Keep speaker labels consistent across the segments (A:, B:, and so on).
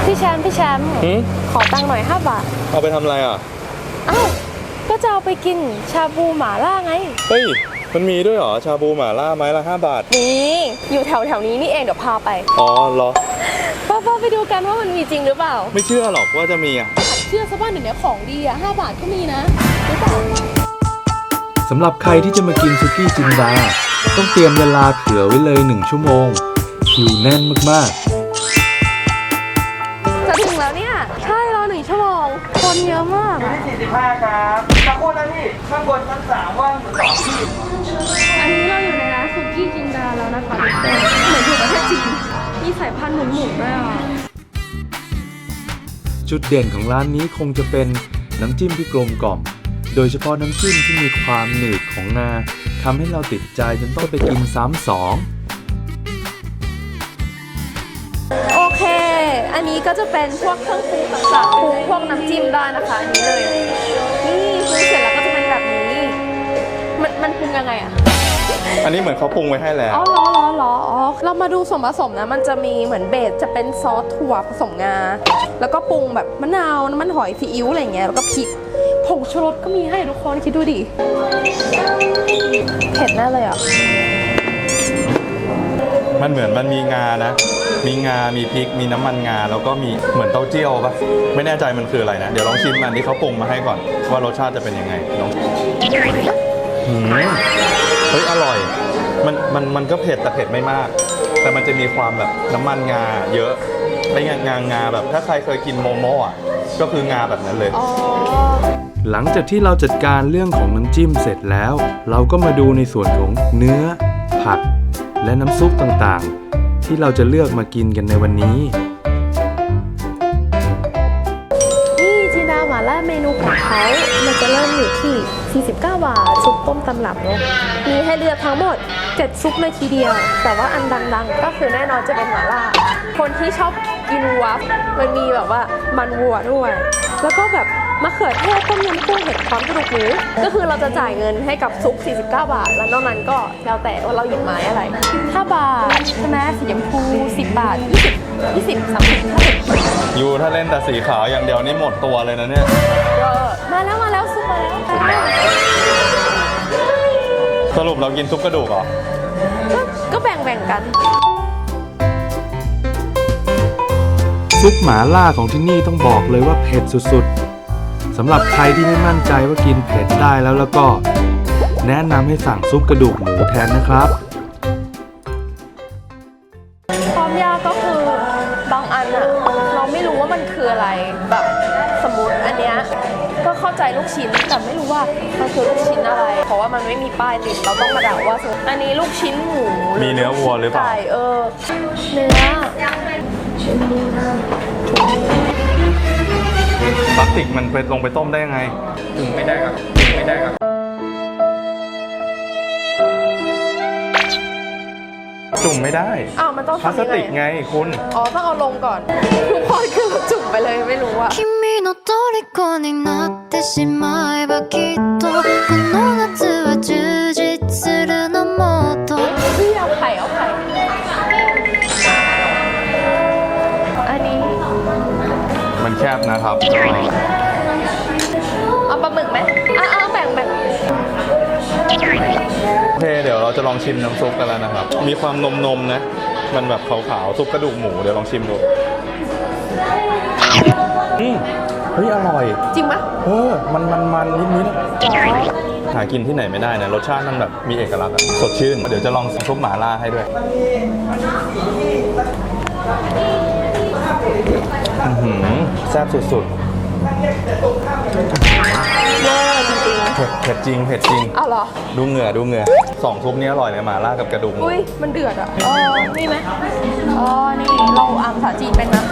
A: พี่แชมป์ขอตังค์หน่อย5 บาท
B: เอาไปทำอะไรอ่ะ
A: อ้าวก็จะเอาไปกินชาบูหม่าล่าไง
B: เฮ้ยมันมีด้วยเหรอชาบูหม่าล่าไม้ละ5 บาท
A: นี่อยู่แถวนี้นี่เองเดี๋ยวพาไป
B: อ๋อเหรอ
A: ป้าไปดูกันว่ามันมีจริงหรือเปล่า
B: ไม่เชื่อหรอกว่าจะมีอ่ะ
A: เชื่อซะบ้านเดี๋ยวนี้ของดีอ่ะ5 บาทก็มีนะหรือเปล่า
C: สำหรับใครที่จะมากินสุกี้จินดาต้องเตรียมเวลาเผื่อไว้เลย1 ชั่วโมงคิวแน่นมาก
A: จะถึงแล้วเนี่ยใช่รอ1 ชั่วโมงคนเยอะมาก
D: 45ครับสักคนนะพี่ข้างบนชั้น3ว่างอยู่2ที่
A: อันนี้เราอยู่ในร้านสุกี้จินดาแล้วนะคะเหมือนอยู่ประเทศจีนมีสายพันธุ์หมุนๆด้วยอ่ะ
C: จุดเด่นของร้านนี้คงจะเป็นน้ำจิ้มที่กลมกล่อมโดยเฉพาะน้ำจิ้มที่มีความหนืดของงาทำให้เราติดใจจนต้องไปกินซ้ำ2
A: โอเคอันนี้ก็จะเป็นพวกเครื่องปรุงต่างๆปรุงพวกน้ำจิ้มได้นะคะอันนี้เลยนี่ปรุงเสร็จแล้วก็จะเป็นแบบนี้มันปรุงยังไงอ่ะ
B: อันนี้เหมือนเขาปรุงไว้ให้แล้ว
A: อ๋อเหรออ๋อเรามาดูส่วนผสมนะมันจะมีเหมือนเบสจะเป็นซอสถั่วผสมงาแล้วก็ปรุงแบบมะนาวน้ำมันหอยซีอิ๊วอะไรเงี้ยแล้วก็พริกผงชูรสก็มีให้ทุกคนคิดดูดิเผ็ดแน่เลยอ่ะ
B: มันเหมือนมันมีงานะมีงามีพริกมีน้ำมันงาแล้วก็มีเหมือนเต้าเจี้ยวปะไม่แน่ใจมันคืออะไรนะเดี๋ยวลองชิมอันที่เขาปรุงมาให้ก่อนว่ารสชาติจะเป็นยังไงลองเฮ้ยอร่อยมันก็เผ็ดแต่เผ็ดไม่มากแต่มันจะมีความแบบน้ำมันงาเยอะไอ้งาแบบถ้าใครเคยกินโมโม่อะก็คืองาแบบนั้นเลย
C: หลังจากที่เราจัดการเรื่องของน้ำจิ้มเสร็จแล้วเราก็มาดูในส่วนของเนื้อผักและน้ำซุปต่างๆที่เราจะเลือกมากินกันในวันนี้
A: นี่จินดาหม่าล่าเมนูของเขามันจะเริ่มอยู่ที่49 บาทซุปต้มตำรับเนาะมีให้เลือกทั้งหมด7 ซุปเลยทีเดียวแต่ว่าอันดังๆก็คือแน่นอนจะเป็นหม่าล่าคนที่ชอบกินวัฟมันมีแบบว่ามันวัวด้วยแล้วก็แบบมะเขือเทศต้มยำกุ้งเห็ดพร้อมกระดูกหมูก็คือเราจะจ่ายเงินให้กับซุป49 บาทแล้วนอกนั้นก็แล้วแต่ว่าเราหยิบไม้อะไร5 บาทใช่ไหมสีชมพู10 บาท20 30 50
B: ยูถ้าเล่นแต่สีขาวอย่างเดียวนี่หมดตัวเลยนะเนี่ย
A: มาแล้วซุปมาแล้ว
B: สรุปเรากินซุปกระดูกเหรอ
A: ก็แบ่งกัน
C: ซุปหมาล่าของที่นี่ต้องบอกเลยว่าเผ็ดสุดๆสำหรับใครที่ไม่มั่นใจว่ากินเผ็ดได้แล้วก็แนะนำให้สั่งซุปกระดูกหมูแทนนะครับ
A: ความยากก็คือบางอันอะเราไม่รู้ว่ามันคืออะไรแบบสมมติอันเนี้ยก็เข้าใจลูกชิ้นแต่ไม่รู้ว่ามันคือลูกชิ้นอะไรเพราะว่ามันไม่มีป้ายติดเราต้องมาเดาว่าอันนี้ลูกชิ้นหมู
B: มีเนื้อวัวหรือเปล่า
A: ไก่เนื้อ
B: พลาสติกมันไปลงไปต้มได้ยังไงถึงไม่ได้ครับจุ่มไม่ได้
A: มันต้อง
B: พลาสติกไงคุณ
A: ต้องเอาลงก่อนทุกคนคือจุ่มไปเลยไม่รู้อะ
E: 虜になってしまえばきっとこの夏は充実するのもっと
A: เอาไข่อันนี้
B: มันแคบนะครับ
A: เอาปลาหมึกไหมแบ่ง
B: โอเคเดี๋ยวเราจะลองชิมน้ำซุปกันแล้วนะครับมีความนมนะมันแบบขาวๆซุปกระดูกหมูเดี๋ยวลองชิมดูเฮ้ยอร่อย
A: จริงไหม
B: มันนิดหากินที่ไหนไม่ได้นะรสชาติมันแบบมีเอกลักษณ์สดชื่นเดี๋ยวจะลองซุปหม่าล่าให้ด้วยแซ่บสุดๆเผ็ดจริง
A: เหรอ
B: ดูเหงื่อ2 ซุปนี้อร่อยเลยหม่าล่ากับกระดูก
A: อุ้ยมันเดือดอ่ะนี่ไหมนี่เราอ่านภาษาจีนเป็นนะ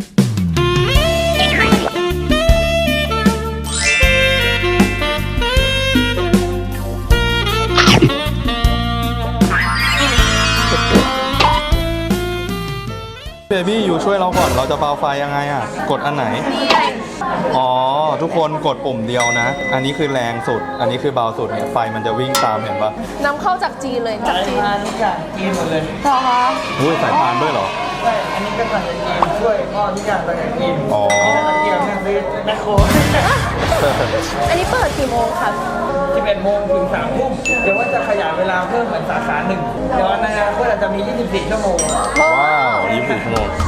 B: เบบี้อยู่ช่วยเราก่อนเราจะเบาไฟยังไงอ่ะกดอันไหนทุกคนกดปุ่มเดียวนะอันนี้คือแรงสุดอันนี้คือเบาสุดเนี่ยไฟมันจะวิ่งตามเห็นปะ
A: นำเข้าจากจีนเลยจากจีน
D: จากจีนหมดเลย
A: เหรอคะ
B: สายพานด้วยเหรอ
D: ช่อันนี้ก็สั่งจากจีนช่วยพ่อทุกอย่างสั่งจากจีน
B: อ๋อ
D: นี่ถ้าตะเกียบเนี่ยซื้อแมคโคร
A: อันนี้เปิดกี่โมงครับ
D: 11 โมงถึง 3 ทุ่มเดี๋ยวว่าจะขยายเวลาเพิ่มเหมือนสาขาหนึ่งเดี๋ยวในอนาคตอาจจะมี 24 ชั่วโมง
B: ว้าว24 ชั่วโมง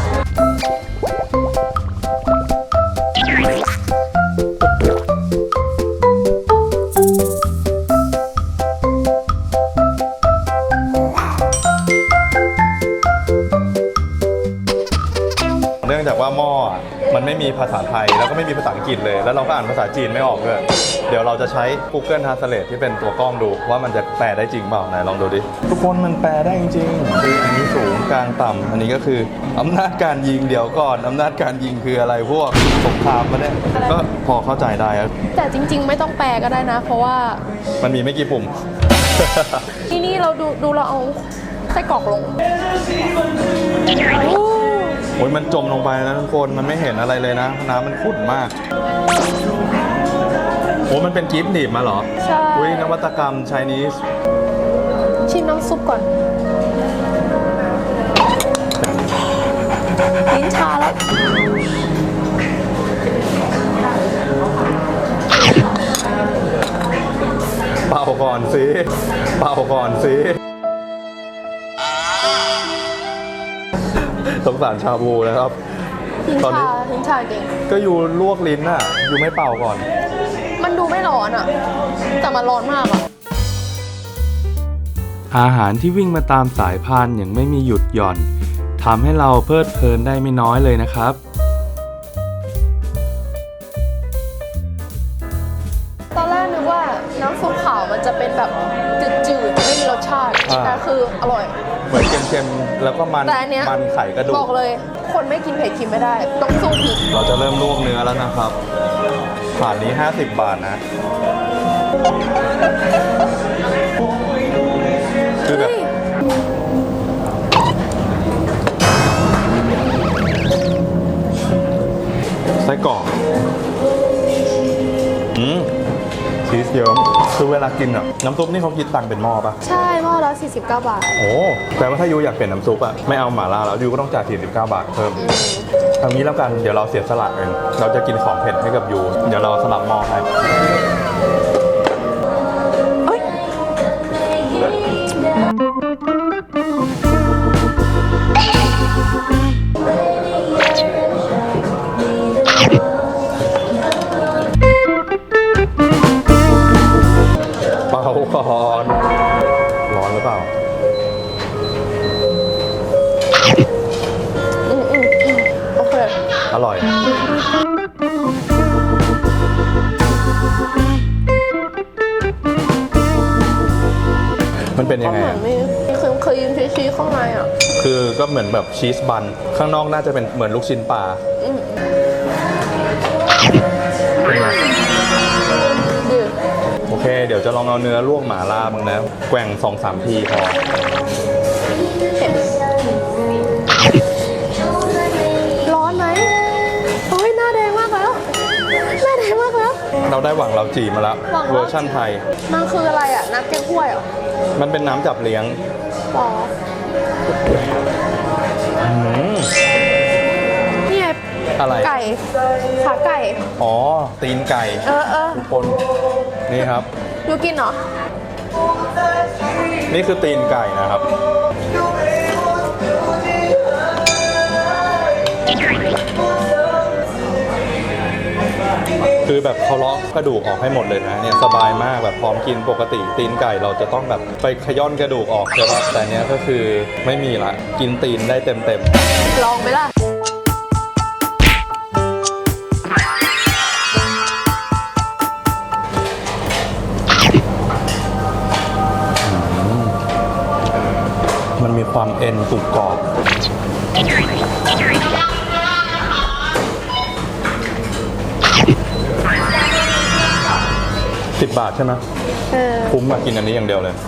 B: เนื่องจากว่าหม้ออะมันไม่มีภาษาไทยแล้วก็ไม่มีภาษาอังกฤษเลย แล้วเราก็อ่านภาษาจีนไม่ออกด้วยเดี๋ยวเราจะใช้ Google Translate ที่เป็นตัวกล้องดูว่ามันจะแปลได้จริงเปล่าไหนลองดูดิทุกคนมันแปลได้จริงๆคืออันนี้สูงกลางต่ำอันนี้ก็คืออำนาจการยิงเดี๋ยวก่อนอำนาจการยิงคืออะไรพวกสงครามมาเนี่ยก็พอเข้าใจได้ครับ
A: แต่จริง ๆ ไม่ต้องแปลก็ได้นะ เพราะว่า
B: มันมีไม่กี่ปุ่ม
A: ที่นี่เราดูเราเอาไส้กรอกลงโอ้
B: โอ้ยมันจมลงไปนะทุกคนมันไม่เห็นอะไรเลยนะ น้ำมันขุ่นมากโอ้มันเป็นกิฟต์หนีบมาเหรอ
A: ใช่
B: อุ้ยนวัตกรรมไชนีส
A: ชิมน้ำซุปก่อนลิ้นชาแล้ว
B: เป่าก่อนสิเป่าก่อนสิสงสารชาบูนะครับ
A: ลิ้น
B: ตอนนี้
A: ชาลิ้นชาเก่ง
B: ก็อยู่ลวกลิ้นน่ะ อยู่ไม่เป่าก่อน
A: มันดูไม่ร้อนอ่ะ แต่มันร้อนมากอ่ะ
C: อาหารที่วิ่งมาตามสายพานอย่างไม่มีหยุดหย่อนทำให้เราเพลิดเพลินได้ไม่น้อยเลยนะครับ
A: ตอนแรกนึกว่าน้ำซุปขาวมันจะเป็นแบบจืดๆไม่มีรสชาติ
B: อ่า
A: แต่คืออร่อย
B: เหมือนเค็มๆแล้วก็มัน
A: แต่อันเนี้ย
B: มันไข่กระดู
A: บอก กเลย คนไม่กินเผ็ดกินไม่ได้ ต้องสู้พริก
B: เราจะเริ่มลวกเนื้อแล้วนะครับถาดนี้ 50 บาทนะ คือแบบ
A: เฮ้ย
B: ไส้กรอกชีสเยิ้มคือเวลากินอ่ะ น้ำซุปนี่เขาคิดตังค์เป็นหม้อปะ
A: ใช่หม้อละ49 บาท
B: โอ้แปลว่าถ้ายูอยากเปลี่ยนน้ำซุปอ่ะ ไม่เอาหม่าล่าแล้วยูก็ต้องจ่าย49 บาทเพิ่มทางนี้แล้วกัน เดี๋ยวเราเสียสละเองเราจะกินของเผ็ดให้กับยู เดี๋ยวเราสลับหม้อให้
A: เอ้ย
B: เป่าก่อนร้อนหรือเปล่า
A: โอเค
B: อร่อย มันเป็นยังไง
A: เหมือ
B: อะ
A: นมีเคยยืนชีสข้างในอ่ะ
B: คือก็เหมือนแบบชีสบัน ข้างนอกน่าจะเป็นเหมือนลูกชิ้นปลา
A: อืม
B: เป็นไง
A: ดี
B: โอเค เดี๋ยวจะลองเอาเนื้อลวกหม่าล่าบ้างนะ แกว่ง 2-3 ทีพอ
A: เผ็ดร้อนไหมโอ้ยหน้าแดงมากแล้ว หน้าแดงมากแล้ว
B: เราได้หวังเราจีมาแล้ว
A: หวังเราจี
B: เวอร์ชั่นไทย
A: มันคืออะไรอ่ะ น้ำแกงกล้วยเหรอ
B: มันเป็นน้ำจับเลี้ยง
A: อ๋อ
B: อืม
A: นี่ไง
B: อะไร
A: ไก่ ขาไก่
B: อ๋อ ตีนไก่
A: เออ
B: ทุกคน นี่ครับ
A: ดูกินเหรอ
B: นี่คือตีนไก่นะครับ คือแบบเขาเลาะกระดูกออกให้หมดเลยนะเนี่ยสบายมากแบบพร้อมกินปกติตีนไก่เราจะต้องแบบไปขย้อนกระดูกออกใช่ปะแต่เนี้ยก็คือไม่มีละกินตีนได้เต็ม
A: ลองไหมล่ะ
B: ๆมันมีความเอ็นกรุบกรอบ10 บาทใช่ไหม
A: เออ
B: คุ้มมากินอันนี้อย่างเดียวเลย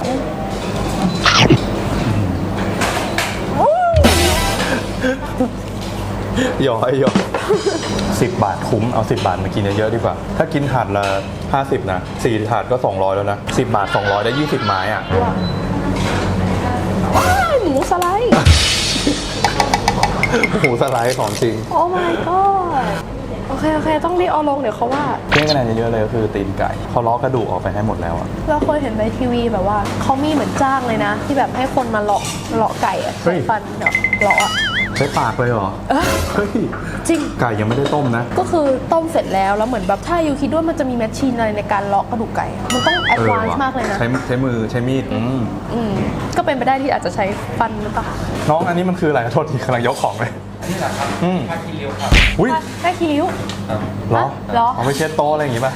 B: หยอย10 บาทคุ้มเอา10 บาทมากินเยอะๆดีกว่า ถ้ากินถาดละ50นะ4ถาดก็200แล้วนะ10 บาท200ได้20 ไม้อ่ะ
A: ว้ายหมูสไลด์
B: หมูสไลด์ของจริง
A: โอ้ my god โอเคต้องรีบเอาลงเดี๋ยวเขาว่า
B: เที่ยงคะแนนเยอะๆเลยก็คือตีนไก่เขาล้อกระดูกออกไปให้หมดแล้วอะ
A: เราเคยเห็นในทีวีแบบว่าเขามีเหมือนจ้างเลยนะ ที่แบบให้คนมาเลาะไก่อะใช้ฟันเนาะเลาะอะ
B: ใช้ปากเลยเหรอเฮ้ย
A: จริง
B: ไก่ยังไม่ได้ต้มนะ
A: ก็คือต้มเสร็จแล้วเหมือนแบบถ้ายูคิดว่ามันจะมีแมชชีนอะไรในการเลาะกระดูกไก่อะมันต้องแอดวานซ์มากเลยนะ
B: ใช้มือใช้มีด
A: ก็เป็นไปได้ที่อาจจะใช้ฟันหรือเปล่า
B: น้องอันนี้มันคืออะไรโทษทีกำลังยกของเลย
D: นี่แหละครับ
B: อืม
D: ผ้าคีริ้วครับ
B: อุ้ย
A: ได้คีริ้ว
B: เหรอ
A: เหรอ
B: เอาไปเช็ดโต๊ะอะไรอย่างงี้ป่ะ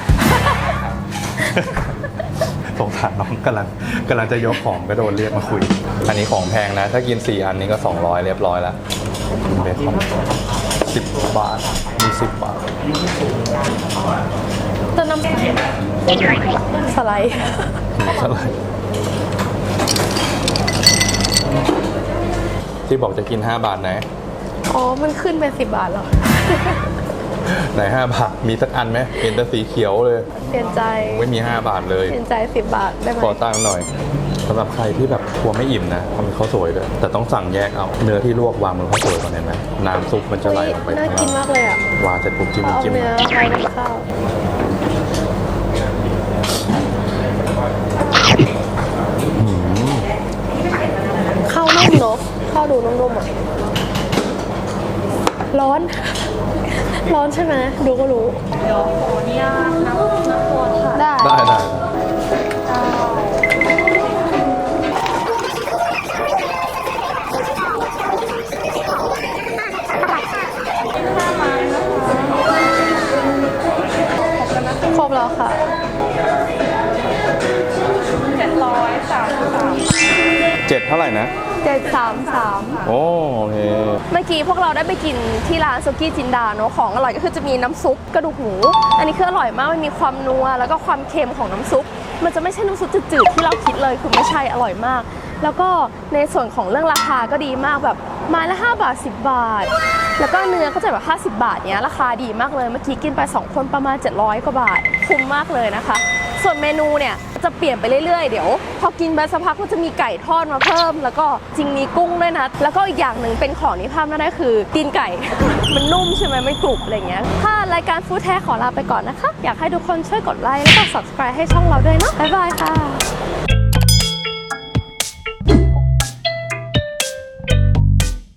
B: สงสารน้องกำลังจะยกของก็โดนเรียกมาคุย อันนี้ของแพงนะ ถ้ากิน4อันนี้ก็200เรียบร้อยแล้วเบคอน10 บาทมี10 บาท
A: เติมน้ำสไลด์
B: เท่าไหร่ที่บอกจะกิน5 บาทไหน
A: อ๋อ มันขึ้นเป็น10 บาทเหรอ
B: ไหน5 บาทมีสักอันไหมเห็นแต่สีเขียวเลย
A: เปลี่ยนใจ
B: ไม่มี5 บาทเลย
A: เปลี่ยนใจ10 บาทได้ไหม
B: ขอตังค์หน่อยสำหรับใครที่แบบกลัวไม่อิ่มนะเขามีข้าวสวยด้วยแต่ต้องสั่งแยกเอาเนื้อที่ลวกวางบนข้าวสวยก่อนเห็นไหมน้ำซุปมันจะไหลลงไป
A: น่า
B: ข้าง
A: กิน
B: ล่าง
A: มากเลยอ่ะ
B: วางเสร็จปุ๊บจิ้ม
A: เอา
B: จิ้ม
A: เนื้อไปในข้าว ข้าวนุ่มเนอะข้าวดูนุ่มๆอ่ะ ร้อน ร้อนใช่ไหมดูก็รู้เดี๋ยวขออนุญาตน้ำตัวค่ะได้
B: ได้
A: ครบแล้วค่ะ
B: 7เท่าไหร่นะ
A: 733
B: โอเค
A: เมื่อกี้พวกเราได้ไปกินที่ร้านซุกี้จินดาเนอะของอร่อยก็คือจะมีน้ำซุปกระดูกหมู อันนี้คืออร่อยมากมันมีความนัวแล้วก็ความเค็มของน้ำซุป มันจะไม่ใช่น้ำซุปจืดๆที่เราคิดเลยคือไม่ใช่อร่อยมาก แล้วก็ในส่วนของเรื่องราคาก็ดีมากแบบไม้ละ5 บาท 10 บาท แล้วก็เนื้อก็จะแบบ50 บาทเนี้ยราคาดีมากเลยเมื่อกี้กินไป2คนประมาณ700 กว่าบาทคุ้มมากเลยนะคะ ส่วนเมนูเนี่ยจะเปลี่ยนไปเรื่อยๆ เดี๋ยวพอกินไปสักพักก็จะมีไก่ทอดมาเพิ่ม แล้วก็จริงมีกุ้งด้วยนะ แล้วก็อีกอย่างหนึ่งเป็นของที่ภาพน่าได้คือตีนไก่ มันนุ่มใช่ไหมไม่กรุบอะไรเงี้ยถ้ารายการฟู้ดแท้ขอลาไปก่อนนะคะ อยากให้ทุกคนช่วยกดไลค์แล้วก็ subscribe ให้ช่องเราด้วยเนาะบ๊ายบายค่ะ